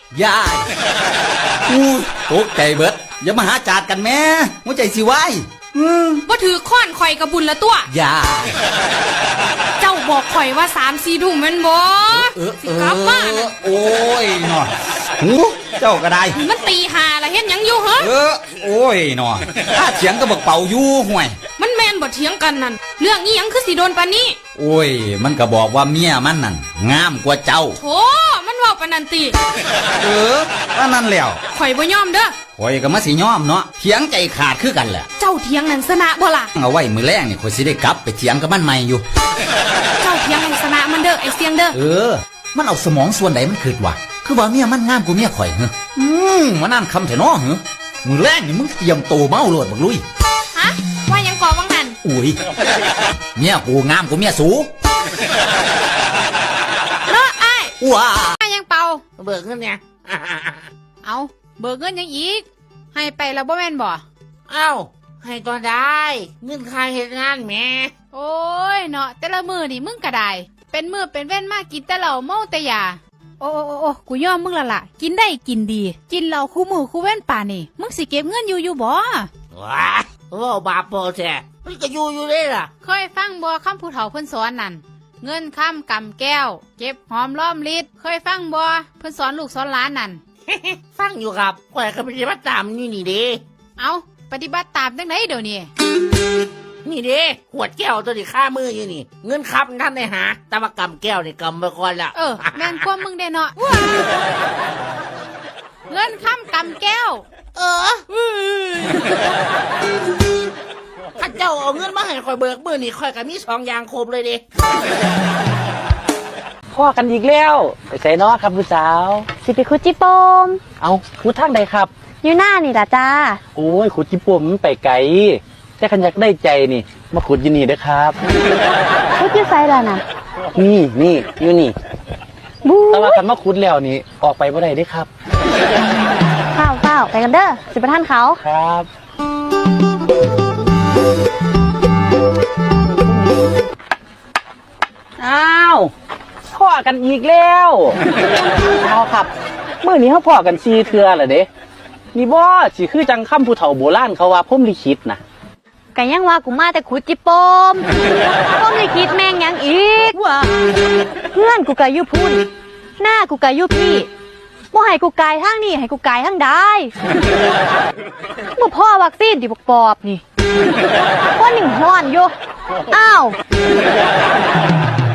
ยายอู้ตกใจเบิดอย่ามาหาจาดกันแม่หัวใจสิวายว่าถือค้อนข่อยกับบุญละตัวยายเจ้าบอกข่อยว่า3-4 ทุ่มแม่นบ่สิกลับบ้านโอ้ยหนอหูเจ้าก็ได้มันตี5ละเฮ็ดหยังอยู่เหรอโอ้ยหนอถ้าเถียงก็บักเป่าอยู่ห่วยมันแม่นบ่เถียงกันนั่นเรื่องอีหยังคือสิโดนปานนี้โอ้ยมันก็บอกว่าเมียมันนั่นงามกว่าเจ้าโธ่มันเว้าปานนั้นติว่านั่นแล้วข่อยบ่ยอมเด้อข่อยก็มาสิยอมเนาะเถียงใจขาดคือกันแหละเจ้าเถียงนั่นชนะบ่ล่ะเอาไว้มื้อแรงนี่ข่อยสิได้กลับไปเถียงกับมันใหม่อยู่เจ้าเถียงให้ชนะมันเด้อไอ้เสียงเด้อมันเอาสมองส่วนใดมันคิดว่าคือว่าเมียมันงามกว่าเมียข่อยเหรอมานั่นคำแท้น้อเหรอมื้อแรงนี่มึงเตรียมโตเมาโลดบักลุยฮะว่ายังก่อวังนั่นอุ้ยเมียกูงามกว่าเมียสูเนาะอ้ายว้ายังเป่าเบิกเงินเนี่ยเอาเบิกเงินยังอีกให้ไปแล้วบ่แม่นบ่เอ้าให้ตัวได้เงินค่าเฮ็ดงานแม่โอ้ยเนาะแต่ละมือนี่มึงก็ได้เป็นมือเป็นเว้นมากกินแต่เหล้าเมาแต่ยาโอ้กูยอมมึงละล่ะกินได้กินดีกินเหล้าคู่มือคู่เว้นป่านี่มึงสิเก็บเงินอยู่บ่ว้าว่าบาปโปแท้มันก็อยู่ได้ล่ะเคยฟังบ่คำผู้เฒ่าเพิ่นสอนนั่นเงินคำกำแก้วเก็บหอมล้อมลิดเคยฟังบ่เพิ่นสอนลูกสอนหลานนั่นฟังอยู่ครับข่อยก็ปฏิบัติตามอยู่นี่เด้เอาปฏิบัติตามจังไดเดี๋ยวนี้นี่เด้ขวดแก้วตัวนี้ค่ามืออยู่นี่เงินครับท่านได้หาแต่ว่ากำแก้วนี่กำไปก่อนละแม่นความมึงได้เนาะเงินคำกำแก้วถ้าเจ้าเอาเงินมาให้ข่อยเบิกมือนี่ข่อยก็มี2อย่างครบเลยเด้พ่อกันอีกแล้วไปใส่นอครับผู้สาวสิไปคุดจิโปมเอาคุดทางใดครับอยู่หน้านี่ล่ะจ้าโอ้ยคุดจิโปมมันไปไกลแต่ขันอยากได้ใจนี่มาขุดอยู่นี่เด้อครับคุดอยู่ไสล่ะน่ะนี่อยู่นี่แต่ว่าคันมาขุดแล้วนี่ออกไปบ่ได้เด้อครับเฝ้าไปกันเด้อสิไปท่านเขาครับอ้าวพ่อกันอีกแล้วเอาครับมื้อนี้เขาพ่อกัน4 เทื่อล่ะเด้นี่บ่สิคือจังคำผู้เฒ่าโบราณเขาว่าพรหมลิขิตน่ะก็ยังว่ากูมาแต่ขุดจิโปมพรหมลิขิตแม่งยังอีกเพื่อนกูก็อยู่พุ่นหน้ากูก็อยู่พี่บ่ให้กูกายทางนี้ให้กูกายทางใดบ่พ่อวัคซีนดิปอบนี่ว่าหนึ่งฮ้อนอยู่อ้าว